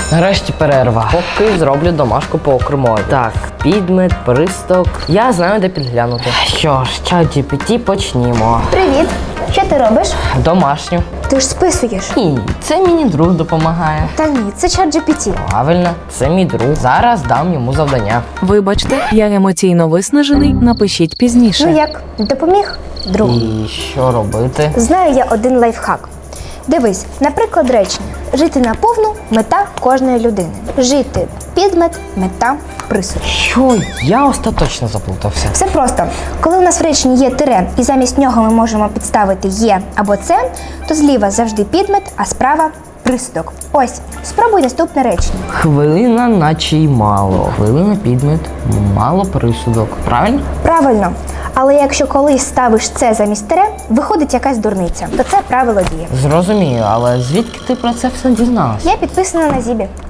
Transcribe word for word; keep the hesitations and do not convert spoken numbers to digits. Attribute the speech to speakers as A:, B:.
A: Нарешті перерва. Поки зроблю домашку по окремові. Так, підмет, присток. Я знаю, де підглянути. Що ж, чат джі пі ті, почнімо.
B: Привіт! Що ти робиш?
A: Домашню.
B: Ти ж списуєш.
A: Ні, це мені друг допомагає.
B: Та ні, це чат джі пі ті.
A: Правильно, це мій друг. Зараз дам йому завдання.
C: Вибачте, я емоційно виснажений, напишіть пізніше.
B: Ну як, допоміг? Друг.
A: І що робити?
B: Знаю я один лайфхак. Дивись, наприклад, речення. Жити наповну – мета кожної людини. Жити – підмет, мета, присуд.
A: Що? Я остаточно заплутався.
B: Все просто. Коли у нас в реченні є тире, і замість нього ми можемо підставити є або це, то зліва завжди підмет, а справа – присудок. Ось, спробуй наступне речення.
A: Хвилина, наче й мало. Хвилина, підмет, мало присудок. Правильно?
B: Правильно. Але якщо колись ставиш це замість тире, виходить якась дурниця, то це правило діє.
A: Зрозумію, але звідки ти про це все дізналась?
B: Я підписана на Зібі.